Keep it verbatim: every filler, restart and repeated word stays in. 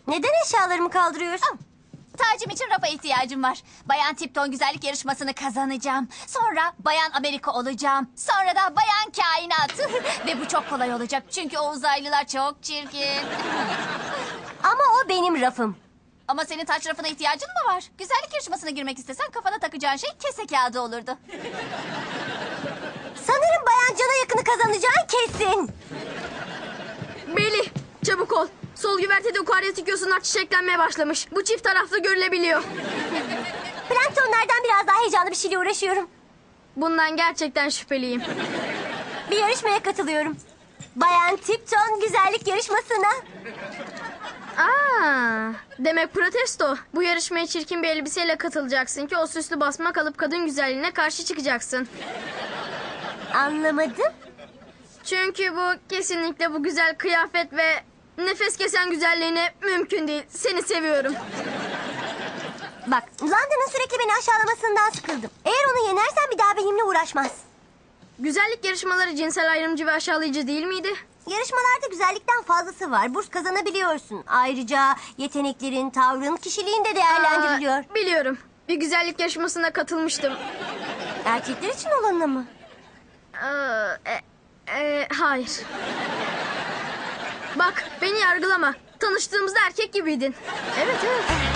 Neden eşyalarımı kaldırıyorsun? Tacım için rafa ihtiyacım var. Bayan Tipton güzellik yarışmasını kazanacağım. Sonra Bayan Amerika olacağım. Sonra da Bayan Kainat. Ve bu çok kolay olacak çünkü o uzaylılar çok çirkin. Ama o benim rafım. Ama senin taç rafına ihtiyacın mı var? Güzellik yarışmasına girmek istesen kafana takacağın şey kese kağıdı olurdu. Sanırım Bayan Cana yakını kazanacağın kesin. Melih, çabuk ol. Sol güvertede ukaryatik yosunlar çiçeklenmeye başlamış. Bu çift taraflı görülebiliyor. Planktonlardan biraz daha heyecanlı bir şeyle uğraşıyorum. Bundan gerçekten şüpheliyim. Bir yarışmaya katılıyorum. Bayan Tipton güzellik yarışmasına. Aa, demek protesto. Bu yarışmaya çirkin bir elbiseyle katılacaksın ki o süslü basma kalıp kadın güzelliğine karşı çıkacaksın. Anlamadım. Çünkü bu kesinlikle bu güzel kıyafet ve nefes kesen güzelliğine mümkün değil. Seni seviyorum. Bak, London'ın sürekli beni aşağılamasından sıkıldım. Eğer onu yenersen bir daha benimle uğraşmaz. Güzellik yarışmaları cinsel ayrımcı ve aşağılayıcı değil miydi? Yarışmalarda güzellikten fazlası var. Burs kazanabiliyorsun. Ayrıca yeteneklerin, tavrın, kişiliğin de değerlendiriliyor. Aa, biliyorum. Bir güzellik yarışmasına katılmıştım. Erkekler için olanına mı? Aa, e, e, hayır. Bak, beni yargılama. Tanıştığımızda erkek gibiydin. Evet, evet.